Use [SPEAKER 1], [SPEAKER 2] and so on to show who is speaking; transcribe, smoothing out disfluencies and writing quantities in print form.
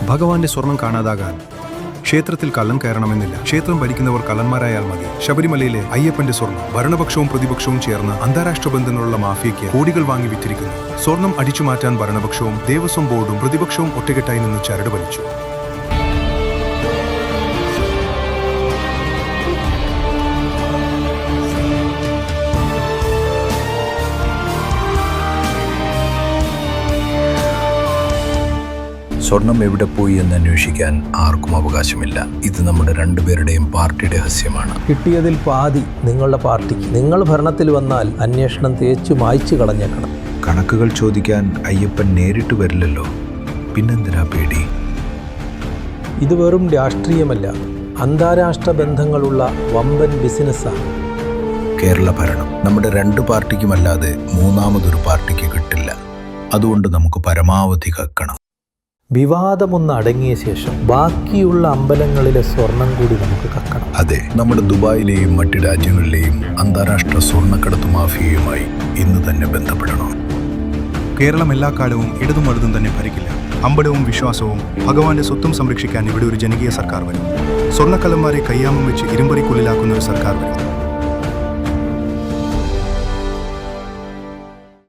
[SPEAKER 1] ഭഗവാന്റെ സ്വർണം കാണാതാകാൻ ക്ഷേത്രത്തിൽ കള്ളൻ കയറണമെന്നില്ല. ക്ഷേത്രം ഭരിക്കുന്നവർ കള്ളന്മാരായാൽ മതി. ശബരിമലയിലെ അയ്യപ്പന്റെ സ്വർണം ഭരണപക്ഷവും പ്രതിപക്ഷവും ചേർന്ന് അന്താരാഷ്ട്ര ബന്ധങ്ങളുള്ള മാഫിയയ്ക്ക് കോടികൾ വാങ്ങി വിറ്റിരിക്കുന്നു. സ്വർണം അടിച്ചുമാറ്റാൻ ഭരണപക്ഷവും ദേവസ്വം ബോർഡും പ്രതിപക്ഷവും ഒറ്റക്കെട്ടായി നിന്ന് ചരട് വലിച്ചു.
[SPEAKER 2] സ്വർണം എവിടെ പോയി എന്ന് അന്വേഷിക്കാൻ ആർക്കും അവകാശമില്ല. ഇത് നമ്മുടെ രണ്ടുപേരുടെയും പാർട്ടിയുടെ രഹസ്യമാണ്.
[SPEAKER 3] കിട്ടിയതിൽ പാതി നിങ്ങളുടെ പാർട്ടിക്ക്. നിങ്ങൾ ഭരണത്തിൽ വന്നാൽ അന്വേഷണം തേച്ചു മായ്ച്ചു കളഞ്ഞേക്കണം.
[SPEAKER 2] കണക്കുകൾ ചോദിക്കാൻ അയ്യപ്പൻ നേരിട്ട് വരില്ലല്ലോ, പിന്നെന്തിനാ പേടി?
[SPEAKER 3] ഇത് വെറും രാഷ്ട്രീയമല്ല, അന്താരാഷ്ട്ര ബന്ധങ്ങളുള്ള വമ്പൻ ബിസിനസ്സാണ്.
[SPEAKER 2] കേരള ഭരണം നമ്മുടെ രണ്ട് പാർട്ടിക്കുമല്ലാതെ മൂന്നാമതൊരു പാർട്ടിക്ക് കിട്ടില്ല. അതുകൊണ്ട് നമുക്ക് പരമാവധി കക്കണം.
[SPEAKER 3] വിവാദമൊന്ന് അടങ്ങിയ ശേഷം ബാക്കിയുള്ള അമ്പലങ്ങളിലെ സ്വർണം കൂടി നമുക്ക് കക്കണം.
[SPEAKER 2] അതെ, നമ്മുടെ ദുബായിലെയും മറ്റ് രാജ്യങ്ങളിലെയും അന്താരാഷ്ട്ര സ്വർണ്ണക്കടത്ത് മാഫിയയുമായി ഇന്ന് തന്നെ ബന്ധപ്പെടണം.
[SPEAKER 1] കേരളം എല്ലാ കാലവും ഇടതും വലതും തന്നെ ഭരിക്കില്ല. അമ്പലവും വിശ്വാസവും ഭഗവാന്റെ സ്വത്തും സംരക്ഷിക്കാൻ ഇവിടെ ഒരു ജനകീയ സർക്കാർ വരും. സ്വർണ്ണക്കള്ളന്മാരെ കയ്യാമം വെച്ച് ഇരുമ്പറിക്കുള്ളിലാക്കുന്ന ഒരു സർക്കാർ വരും.